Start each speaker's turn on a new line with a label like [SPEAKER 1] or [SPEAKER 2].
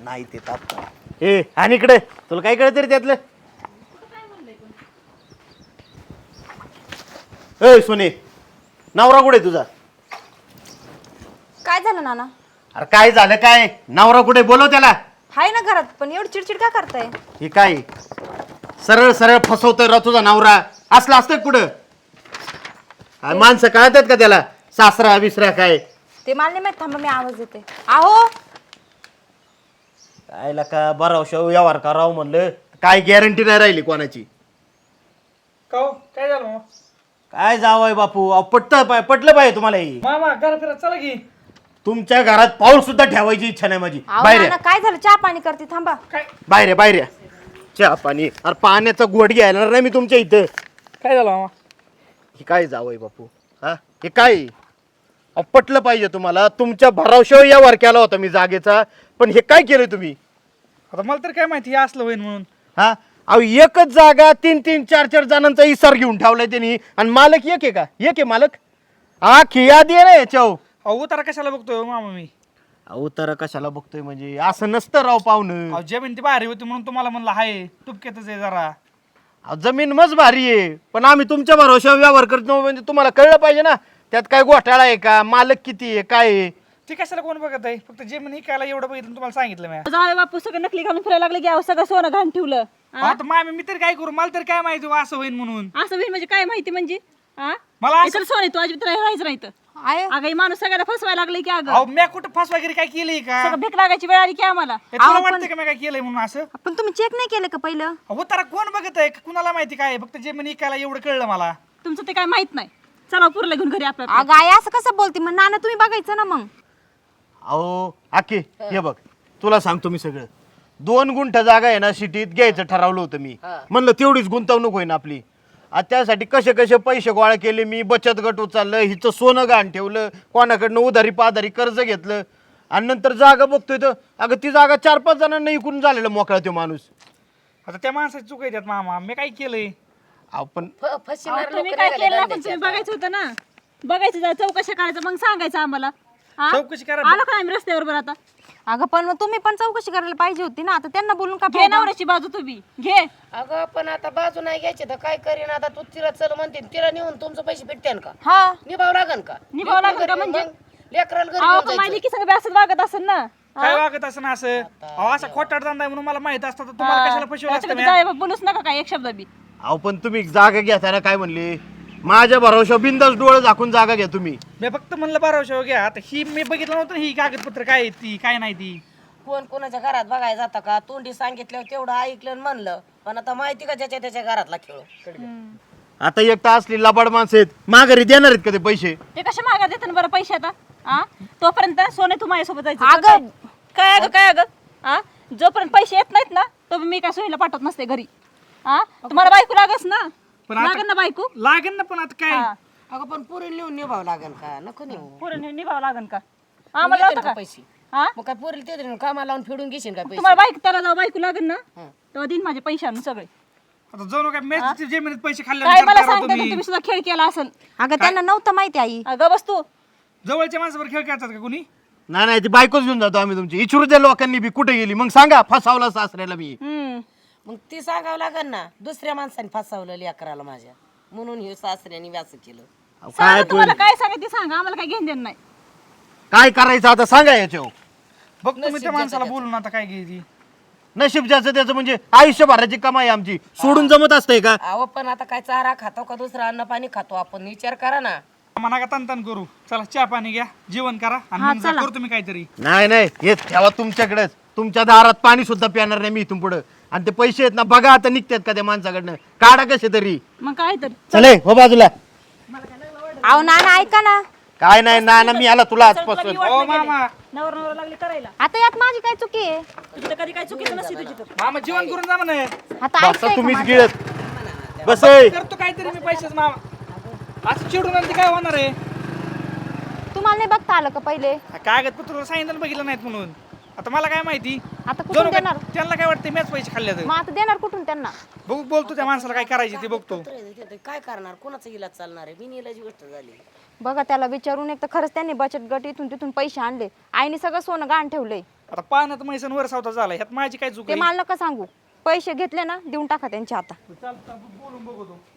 [SPEAKER 1] नाही ते ताप ए आणि इकडे तुला काय कळत रे त्यातलं ए सोने नवरा कुठे तुझा
[SPEAKER 2] काय झालं नाना?
[SPEAKER 1] अरे काय झालं काय नवरा कुठे बोलव त्याला
[SPEAKER 2] हाय ना घरात पण एवढी चिडचिड का करताय?
[SPEAKER 1] हे काय सरळ सरळ फसवतोय रा तुझा नवरा असला असतं कुठं माणसं कळतात का त्याला सासरा विसरा काय
[SPEAKER 2] ते मला नाही माहित. थांबा मी आवाज देते. आहो
[SPEAKER 1] काय का बराव व्यवहार करावं म्हणलं काय गॅरंटी नाही राहिली कोणाची
[SPEAKER 3] काय झालं
[SPEAKER 1] काय जावंय बापू पटलं पाहिजे तुम्हाला ही
[SPEAKER 3] मामा घर फिरत चला की.
[SPEAKER 1] तुमच्या घरात पाऊल सुद्धा ठेवायची इच्छा नाही माझी
[SPEAKER 2] आहो
[SPEAKER 1] बाहेर
[SPEAKER 2] नाना काय झालं? चहा पाणी करते थांबा.
[SPEAKER 3] काय
[SPEAKER 1] बाहेर चहा पाणी अरे पाण्याचा गोड घ्यायला नाही मी तुमच्या इथं
[SPEAKER 3] काय झालं मामा?
[SPEAKER 1] हे काय जावंय बापू हा हे काय पटलं पाहिजे तुम्हाला तुमच्या भरावशावर व्यवहार केला होता मी जागेचा पण हे काय केलं तुम्ही
[SPEAKER 3] आता मला तर काय माहिती हे असलं होईल म्हणून.
[SPEAKER 1] हा अहो एकच जागा 3-3, 4-4 जणांचा इसार घेऊन ठेवलाय त्यांनी आणि मालक एक आहे का एक आहे मालक हा खियादी आहे ना याच्यावर
[SPEAKER 3] अहो उतारा कशाला बघतोय हो मामा मी?
[SPEAKER 1] अहो तर कशाला बघतोय म्हणजे असं नसतं राव पाहुणं
[SPEAKER 3] अहो जमीन ती भारी होती म्हणून तुम्हाला म्हणलं हाय तुपक्यातच आहे जरा.
[SPEAKER 1] अहो, जमीन मज भारी आहे पण आम्ही तुमच्या भरोश्यावर व्यवहार करतो म्हणजे तुम्हाला कळलं पाहिजे ना त्यात काय घोटाळा आहे का मालक किती आहे काय आहे
[SPEAKER 3] ती कशाला कोण बघत आहे? फक्त जमीन हिकायला एवढं बघितलं तुम्हाला सांगितलं मी.
[SPEAKER 4] जावे बापू सगळं नकली घालून फिरायला लागले की अहो सगळं सोनं घाण ठेवलं.
[SPEAKER 3] आता मामी मी तरी काय करू? मला तरी काय माहिती हो असं होईल म्हणून.
[SPEAKER 4] असं होईल म्हणजे काय माहिती म्हणजे
[SPEAKER 3] मला असं-
[SPEAKER 4] इतर सोने तू अजिबात राहायचं नाही तर
[SPEAKER 2] आय
[SPEAKER 4] अगं हे माणूस सगळ्याला फसवायला लागले की अगं
[SPEAKER 3] अहो मी कुठं फास वगैरे काय केलंय का?
[SPEAKER 4] सगळं भीक लागायची वेळ आली की आम्हाला.
[SPEAKER 3] हे तुला वाटतं का मी काय केलंय म्हणून असं?
[SPEAKER 2] पण तुम्ही चेक नाही केलं का पहिलं?
[SPEAKER 3] उतारा कोण बघत आहे? कुणाला माहिती काय? फक्त जमीन हिकायला एवढं कळलं मला.
[SPEAKER 4] तुमचं ते काय माहित नाही. चला पुरला घेऊन घरी आपल्या
[SPEAKER 2] अगं आई असं कसं बोलते? मग नाना तुम्ही बघायचं ना मग.
[SPEAKER 1] अहो आके हे बघ तुला सांगतो मी सगळं 2 गुंठ जागा आहे ना सिटीत घ्यायचं ठरवलं होतं मी म्हणलं तेवढीच गुंतवणूक होईन आपली आता त्यासाठी कसे कसे पैसे गोळा केले मी बचत गट उचललं हिचं सोनं गहाण ठेवलं कोणाकडनं उधारी पाधारी कर्ज घेतलं आणि नंतर जागा बघतोय तर अगं ती जागा 4-5 जणांना इकून झालेला मोकळा तो माणूस
[SPEAKER 3] आता त्या माणसाची चूक आहे त्यात मामा. मी काय केलंय?
[SPEAKER 1] आपण
[SPEAKER 4] तुम्ही काय केलं ना पण तुम्ही बघायचं होतं ना. बघायचं जरा चौकशा करायचं मग सांगायचं आम्हाला.
[SPEAKER 3] चौकशी करा.
[SPEAKER 4] आलो का आम्ही रस्त्यावर बरं आता
[SPEAKER 2] अगं पण मग तुम्ही पण चौकशी करायला पाहिजे होती ना. आता त्यांना बोलून का
[SPEAKER 4] घे
[SPEAKER 2] फायदा?
[SPEAKER 4] नवऱ्याची बाजू तुम्ही घे.
[SPEAKER 5] अगं पण आता बाजू नाही घ्यायची तर काय करीन आता तू तिला चल म्हणते तिला नेऊन तुमचं पैसे भेटते का?
[SPEAKER 2] हा
[SPEAKER 5] निभाव लागन का?
[SPEAKER 4] निभाव लागेल का म्हणजे
[SPEAKER 5] लेकराला घरी
[SPEAKER 4] अहो
[SPEAKER 5] घेऊन
[SPEAKER 4] पण
[SPEAKER 5] जायचं.
[SPEAKER 4] माझी की सगळं असं वागत असेल ना.
[SPEAKER 3] काय वागत असं ना असं? अहो असा खोटाड धंदा आहे म्हणून मला माहित असतं तर तुम्हाला कशाला फसवलं असतं मी?
[SPEAKER 4] जावे बोलूच नका काय एक शब्द बी.
[SPEAKER 1] अहो पण तुम्ही जागा घेताना काय म्हणले माझ्या भरोश्यावर बिंदास डोळे झाकून जागा घ्या तुम्ही
[SPEAKER 3] मी फक्त म्हणलं बाराशे घ्या. आता ही मी बघितलं नव्हतं ना ही कागदपत्र काय आहेत ती काय नाही ती.
[SPEAKER 5] कोण कोणाच्या घरात बघायला जातं का? तोंडी सांगितल्यावर तेवढं ऐकलं आणि म्हणलं पण आता माहिती का ज्याच्या त्याच्या घरातला खेळ.
[SPEAKER 1] आता एक तर असली लबाड माणसं आहेत माघारी देणार आहेत का ते पैसे
[SPEAKER 4] ते कशा मागा देतात बरं पैसे आता तोपर्यंत सोने तू माझ्यासोबत जायचं
[SPEAKER 2] अगं
[SPEAKER 4] काय अगं जोपर्यंत पैसे येत नाहीत ना तो मी काय सोयीला पाठवत नसते घरी. तुम्हाला बायको लागस ना
[SPEAKER 3] पण आता-
[SPEAKER 4] लागन ना बायको
[SPEAKER 3] लागेल ना पण आता काय
[SPEAKER 5] अगं पण पुरी नेऊन निभाव लागन का? नको नेऊ.
[SPEAKER 4] पुढे निभावं लागन का
[SPEAKER 5] मग
[SPEAKER 4] आम्हाला
[SPEAKER 5] येतील
[SPEAKER 4] लावता
[SPEAKER 5] का
[SPEAKER 4] का
[SPEAKER 5] पैसे?
[SPEAKER 4] हा
[SPEAKER 5] मग काय पुरी ते देऊन कामाला लावून फेडून घेशील का पैसे?
[SPEAKER 4] तुम्हाला बायको त्याला जाऊ बायको लागन ना तेव्हा दिन माझे पैसे आणून सगळे
[SPEAKER 3] आता जाऊ नका मॅच जमिनीत पैसे खाल्ले
[SPEAKER 4] काय मला
[SPEAKER 3] विचार करा
[SPEAKER 4] सांगता का
[SPEAKER 3] तुम्ही.
[SPEAKER 4] तुम्ही सुद्धा खेळ केला असेल.
[SPEAKER 2] अगं त्यांना नव्हतं माहिती आई.
[SPEAKER 4] अगं बस तू
[SPEAKER 3] जवळच्या माणसावर खेळ खेळतात का कोणी?
[SPEAKER 1] नाही ती बायकोच घेऊन जातो आम्ही तुमची इचुरच्या लोकांनी बी कुठे गेली मग सांगा फसावला सासऱ्याला मी
[SPEAKER 5] मग ती सांगावं लागन ना. दुसऱ्या माणसाने फसवलं लेकराला माझ्या म्हणून हे सासऱ्याने व्यास केलं.
[SPEAKER 1] अहो,
[SPEAKER 4] सांगा
[SPEAKER 1] काय
[SPEAKER 4] तुम्हाला काय सांगायचं ते सांगा आम्हाला काय घेऊन देणं नाही.
[SPEAKER 1] काय करायचं आता सांगा याच्यावर
[SPEAKER 3] बघ तुम्ही त्या माणसाला बोलून आता काय घ्यायची.
[SPEAKER 1] नशीब ज्याचं त्याचं म्हणजे आयुष्यभराची कमाई आमची सोडून जमत असतंय का
[SPEAKER 5] अहो पण आता काय चारा खातो का दुसरा अन्न पाणी खातो आपण विचार करा ना.
[SPEAKER 3] म्हणा का तन करू. चला चहा पाणी घ्या जेवण करा आणि मग जा करतो मी काहीतरी.
[SPEAKER 1] नाही हे ठेवा तुमच्याकडेच तुमच्या दारात पाणी सुद्धा पिणार नाही मी इथून पुढे आणि ते पैसे आहेत ना बघा आता निघतात का त्या माणसाकडनं काढा कसे तरी
[SPEAKER 4] मग काय तर
[SPEAKER 1] चले हो बाजूला
[SPEAKER 2] अहो नाना ऐका ना.
[SPEAKER 1] काय नाही ना मी आला तुला आजपासून
[SPEAKER 3] हो मामा
[SPEAKER 4] नवरा लागली करायला
[SPEAKER 2] आता यात माझी काय चुकी आहे?
[SPEAKER 4] तुझी तर कधी काय चुकीचं नसते तुझी तर.
[SPEAKER 3] मामा जेवण करून जा म्हणे.
[SPEAKER 2] आता
[SPEAKER 1] बसा
[SPEAKER 2] ऐकताय का
[SPEAKER 1] तुम्हीच
[SPEAKER 2] माझं?
[SPEAKER 1] गिळत बस ए.
[SPEAKER 3] करतो काहीतरी मी पैसेच मामा. असं चिडून आलं ते काय होणार आहे?
[SPEAKER 2] तुम्हाला नाही बघता आलं का पहिले?
[SPEAKER 3] कागदपत्र सांगितलं बघितलं नाहीत म्हणून. आता मला काय माहिती?
[SPEAKER 2] आता
[SPEAKER 3] जाऊ
[SPEAKER 2] कुठून
[SPEAKER 3] नका.
[SPEAKER 2] देणार?
[SPEAKER 3] त्यांना काय वाटतं मॅच पैसे खाल्ले
[SPEAKER 2] मग आता देणार कुठून त्यांना?
[SPEAKER 3] बघू बोलतो त्या माणसाला काय करायचे ते बघतो.
[SPEAKER 5] काय करणार? कोणाचा इलाज चालणार आहे? बिनइलाजी गोष्ट झाली.
[SPEAKER 2] बघा त्याला विचारून एक तर खरंच त्यांनी बचत गट इथून तिथून पैसे आणले. आईने सगळं सोनं गहाण ठेवलंय.
[SPEAKER 3] आता पाण्यात मैसन वर सावता झाला ह्यात माझी काय चूक
[SPEAKER 2] ते
[SPEAKER 3] आहे?
[SPEAKER 2] मला नका सांगू. पैसे घेतले ना देऊन टाका त्यांच्या आता.
[SPEAKER 3] चालतं बोलून बघतो.